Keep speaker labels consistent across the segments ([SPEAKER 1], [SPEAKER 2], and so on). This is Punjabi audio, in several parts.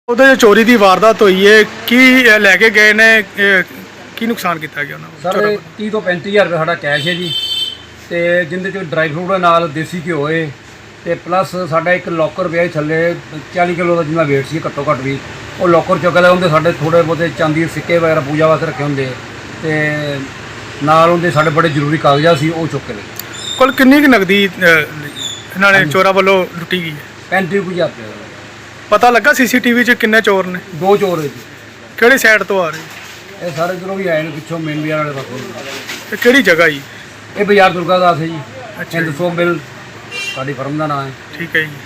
[SPEAKER 1] ਉਹਦੇ ਚੋਰੀ ਦੀ ਵਾਰਦਾਤ ਹੋਈ ਹੈ ਕੀ ਲੈ ਕੇ ਗਏ ਨੇ ਕੀ ਨੁਕਸਾਨ ਕੀਤਾ ਗਿਆ ਉਹਨਾਂ ਨੂੰ
[SPEAKER 2] ਸਰ 30 ਤੋਂ 35000 ਰੁਪਏ ਸਾਡਾ ਕੈਸ਼ ਹੈ ਜੀ ਤੇ ਜਿੰਦੇ ਚ ਡਰਾਈ ਫਰੂਟ ਦੇ ਨਾਲ ਦੇਸੀ ਘਿਓ ਹੈ ਤੇ ਪਲੱਸ ਸਾਡਾ ਇੱਕ ਲੋਕਰ ਪਿਆ ਥੱਲੇ 40 ਕਿਲੋ ਦਾ ਜਿੰਨਾ weight ਸੀ ਘੱਟੋ ਘੱਟ ਵੀ ਉਹ ਲੋਕਰ ਚੁੱਕ ਲਿਆ। ਉਹਦੇ ਸਾਡੇ ਥੋੜੇ ਬਹੁਤੇ ਚਾਂਦੀ ਦੇ ਸਿੱਕੇ ਵਗੈਰਾ ਪੂਜਾ ਵਾਸਤੇ ਰੱਖੇ ਹੁੰਦੇ ਤੇ ਨਾਲ ਉਹਦੇ ਸਾਡੇ ਬੜੇ ਜ਼ਰੂਰੀ ਕਾਗਜ਼ਾਤ ਸੀ ਉਹ ਚੁੱਕ ਕੇ ਲਏ।
[SPEAKER 1] ਕੁੱਲ ਕਿੰਨੀ ਕੁ ਨਗਦੀ ਇਹਨਾਂ ਨੇ ਚੋਰਾਂ ਵੱਲੋਂ ਲੁੱਟੀ ਗਈ ਹੈ?
[SPEAKER 2] 35000 ਰੁਪਏ ਦਾ।
[SPEAKER 1] ਪਤਾ ਲੱਗਾ ਸੀਸੀਟੀਵੀ 'ਚ ਕਿੰਨੇ ਚੋਰ ਨੇ?
[SPEAKER 2] ਦੋ ਚੋਰ ਹੈ ਜੀ।
[SPEAKER 1] ਕਿਹੜੀ ਸਾਈਡ ਤੋਂ ਆ ਰਹੇ?
[SPEAKER 2] ਇਹ ਸਾਰੇ ਜਦੋਂ ਵੀ ਆਏ ਨੇ ਪਿੱਛੋਂ ਮੇਨ ਬਾਜ਼ਾਰ ਵਾਲੇ ਪਾਸੋਂ।
[SPEAKER 1] ਤੇ ਕਿਹੜੀ ਜਗ੍ਹਾ ਜੀ?
[SPEAKER 2] ਇਹ ਬਾਜ਼ਾਰ ਦੁਰਗਾ ਦਾਸ ਹੈ ਜੀ।
[SPEAKER 1] ਅੱਛਾ
[SPEAKER 2] ਹਿੰਦ ਸੋਪ ਮਿਲ ਸਾਡੀ ਫਰਮ ਦਾ ਨਾਮ ਹੈ।
[SPEAKER 1] ਠੀਕ ਹੈ ਜੀ।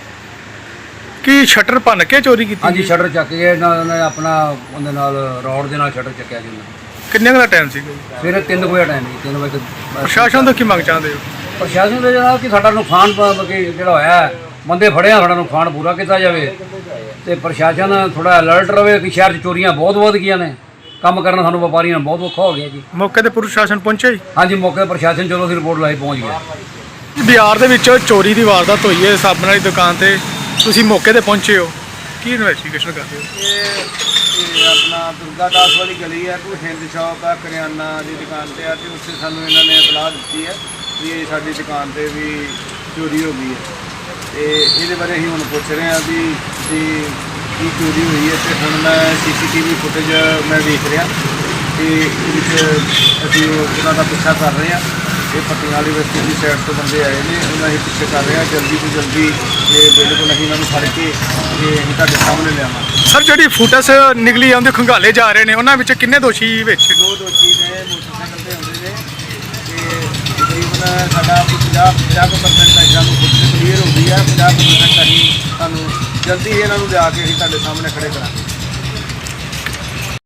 [SPEAKER 1] ਕੀ ਸ਼ਟਰ ਭੰਨ ਕੇ ਚੋਰੀ ਕੀਤੀ?
[SPEAKER 2] ਹਾਂਜੀ ਸ਼ਟਰ ਚੱਕ ਕੇ ਉਹਨਾਂ ਨੇ ਆਪਣਾ ਉਹਦੇ ਨਾਲ ਰੋਡ ਦੇ ਨਾਲ ਸ਼ਟਰ ਚੱਕਿਆ ਜੀ ਉਹਨਾਂ ਨੇ।
[SPEAKER 1] ਕਿੰਨੇ ਕੁ ਦਾ ਟਾਈਮ ਸੀਗਾ ਜੀ?
[SPEAKER 2] ਸਵੇਰੇ 3 ਵਜੇ ਟਾਈਮ ਜੀ 3 ਵਜੇ
[SPEAKER 1] ਪ੍ਰਸ਼ਾਸਨ ਤੋਂ ਕੀ ਮੰਗ ਚਾਹੁੰਦੇ ਹੋ?
[SPEAKER 2] ਪ੍ਰਸ਼ਾਸਨ ਦੇ ਜਨਾਬ ਕਿ ਸਾਡਾ ਨੁਕਸਾਨ ਜਿਹੜਾ ਹੋਇਆ ਹੈ, ਬੰਦੇ ਫੜਿਆ ਸਾਡਾ ਨੁਕਸਾਨ ਪੂਰਾ ਕੀਤਾ ਜਾਵੇ ਤੇ ਪ੍ਰਸ਼ਾਸਨ ਥੋੜਾ ਅਲਰਟ ਰਵੇ ਕਿ ਸ਼ਹਿਰ 'ਚ ਚੋਰੀਆਂ ਬਹੁਤ ਵੱਧ ਗਈਆਂ ਨੇ। ਕੰਮ ਕਰਨਾ ਸਾਨੂੰ ਵਪਾਰੀਆਂ ਨੂੰ ਬਹੁਤ ਔਖਾ ਹੋ ਗਿਆ ਜੀ।
[SPEAKER 1] ਮੌਕੇ ਤੇ ਪ੍ਰਸ਼ਾਸਨ ਪਹੁੰਚਿਆ ਜੀ?
[SPEAKER 2] ਹਾਂਜੀ ਮੌਕੇ 'ਤੇ ਪ੍ਰਸ਼ਾਸਨ ਚਲੋ ਅਸੀਂ ਰਿਪੋਰਟ ਲਾਈ ਪਹੁੰਚ ਗਿਆ।
[SPEAKER 1] ਬਾਜ਼ਾਰ ਦੇ ਵਿੱਚ ਚੋਰੀ ਦੀ ਵਾਰਦਾਤ ਹੋਈ ਹੈ ਸਾਬਣ ਵਾਲੀ ਦੁਕਾਨ ਤੇ, ਤੁਸੀਂ ਮੌਕੇ ਤੇ ਪਹੁੰਚੇ ਹੋ, ਕੀ ਇਨਵੈਸਟੀਗੇਸ਼ਨ ਕਰਦੇ ਹੋ?
[SPEAKER 3] ਇਹ ਆਪਣਾ ਦੁਰਗਾ ਦਾਸ ਵਾਲੀ ਗਲੀ ਹੈ, ਕੋਈ ਹਿੰਦ ਸ਼ਾਪ ਹੈ, ਕਰਿਆਨਾ ਦੀ ਦੁਕਾਨ ਤੇ ਆ ਤੇ ਉੱਥੇ ਸਾਨੂੰ ਇਹਨਾਂ ਨੇ ਇਤਲਾਹ ਦਿੱਤੀ ਹੈ ਵੀ ਇਹ ਸਾਡੀ ਦੁਕਾਨ ਤੇ ਵੀ ਚੋਰੀ ਹੋ ਗਈ ਹੈ ਤੇ ਇਹਦੇ ਬਾਰੇ ਅਸੀਂ ਹੁਣ ਪੁੱਛ ਰਹੇ ਹਾਂ ਵੀ ਕੀ ਚੋਰੀ ਹੋਈ ਹੈ। ਤੇ ਹੁਣ ਮੈਂ ਸੀਸੀਟੀਵੀ ਫੁਟੇਜ ਮੈਂ ਵੇਖ ਰਿਹਾ ਤੇ ਇਹਦੇ ਵਿੱਚ ਅਸੀਂ ਉਹਨਾਂ ਦਾ ਪਿੱਛਾ ਕਰ ਰਹੇ ਹਾਂ। ਇਹ ਪੱਟੀਆਂ ਵਾਲੀ ਬਸਤੀ ਦੀ ਸਾਈਡ ਤੋਂ ਬੰਦੇ ਆਏ ਨੇ, ਉਹਨਾਂ ਅਸੀਂ ਪਿੱਛੇ ਕਰ ਰਹੇ ਹਾਂ। ਜਲਦੀ ਤੋਂ ਜਲਦੀ ਇਹ ਬਿਲਕੁਲ ਅਸੀਂ ਇਹਨਾਂ ਨੂੰ ਫੜ ਕੇ ਇਹ ਅਸੀਂ ਤੁਹਾਡੇ ਸਾਹਮਣੇ ਲਿਆਵਾਂਗੇ।
[SPEAKER 1] ਸਰ ਜਿਹੜੀ ਫੁਟੇਜ ਨਿਕਲੀ ਆਉਂਦੇ ਖੰਗਾਲੇ ਜਾ ਰਹੇ ਨੇ ਉਹਨਾਂ ਵਿੱਚ ਕਿੰਨੇ ਦੋਸ਼ੀ ਵਿੱਚ?
[SPEAKER 3] ਦੋ ਦੋਸ਼ੀ ਨੇ ਮੋਟਰਸਾਈਕਲ ਤੇ ਆਉਂਦੇ ਨੇ ਤੇ ਤਕਰੀਬਨ ਸਾਡਾ 50% ਸਾਨੂੰ ਫੁਟੇਜ ਕਲੀਅਰ ਹੋ ਗਈ ਹੈ। 50% ਅਸੀਂ ਤੁਹਾਨੂੰ ਜਲਦੀ ਇਹਨਾਂ ਨੂੰ ਲਿਆ ਕੇ ਅਸੀਂ ਤੁਹਾਡੇ ਸਾਹਮਣੇ ਖੜੇ ਕਰਾਂਗੇ।